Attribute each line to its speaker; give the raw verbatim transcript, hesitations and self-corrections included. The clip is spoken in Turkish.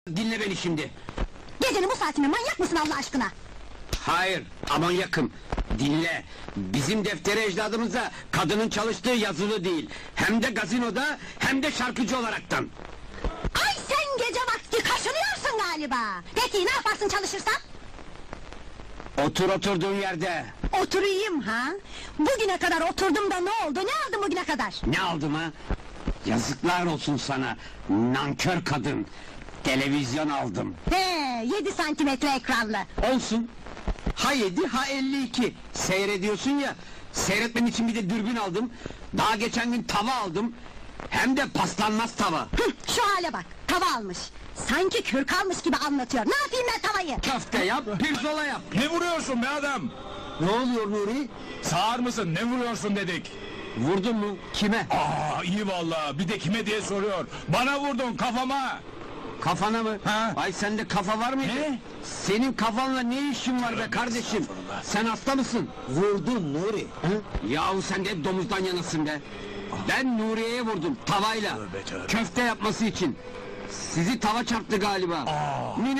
Speaker 1: Dinle beni şimdi.
Speaker 2: Gecenin bu saatinde manyak mısın Allah aşkına?
Speaker 1: Hayır, aman yakın. Dinle. Bizim defteri ecdadımıza kadının çalıştığı yazılı değil. Hem de gazinoda hem de şarkıcı olaraktan.
Speaker 2: Ay sen gece vakti kaşınıyorsun galiba. Peki ne yaparsın çalışırsan?
Speaker 1: Otur oturduğun yerde.
Speaker 2: Oturayım ha? Bugüne kadar oturdum da ne oldu? Ne aldım bugüne kadar?
Speaker 1: Ne aldım ha? Yazıklar olsun sana. Nankör kadın. Televizyon aldım.
Speaker 2: He, yedi santimetre ekranlı.
Speaker 1: Olsun. Ha yedi ha elli iki. Seyrediyorsun ya. Seyretmen için bir de dürbün aldım. Daha geçen gün tava aldım. Hem de paslanmaz tava.
Speaker 2: Hıh, şu hale bak, tava almış. Sanki kürk almış gibi anlatıyor. Ne yapayım ben tavayı?
Speaker 1: Köfte yap, pirzola yap.
Speaker 3: Ne vuruyorsun be adam?
Speaker 1: Ne oluyor Nuri?
Speaker 3: Sağır mısın? Ne vuruyorsun dedik.
Speaker 1: Vurdun mu? Kime?
Speaker 3: Aa iyi vallahi. Bir de kime diye soruyor. Bana vurdun kafama.
Speaker 1: Kafana mı?
Speaker 3: Ha?
Speaker 1: Ay sende kafa var mıydı?
Speaker 3: Ne?
Speaker 1: Senin kafanla ne işin var be kardeşim? Sen hasta mısın?
Speaker 4: Vurdun Nuri.
Speaker 1: Hı? Yahu sen de hep domuzdan yanasın be. Ben Nuriye'ye vurdum tavayla.
Speaker 3: Tövbe, tövbe.
Speaker 1: Köfte yapması için. Sizi tava çarptı galiba.
Speaker 3: Aa.
Speaker 1: Mine-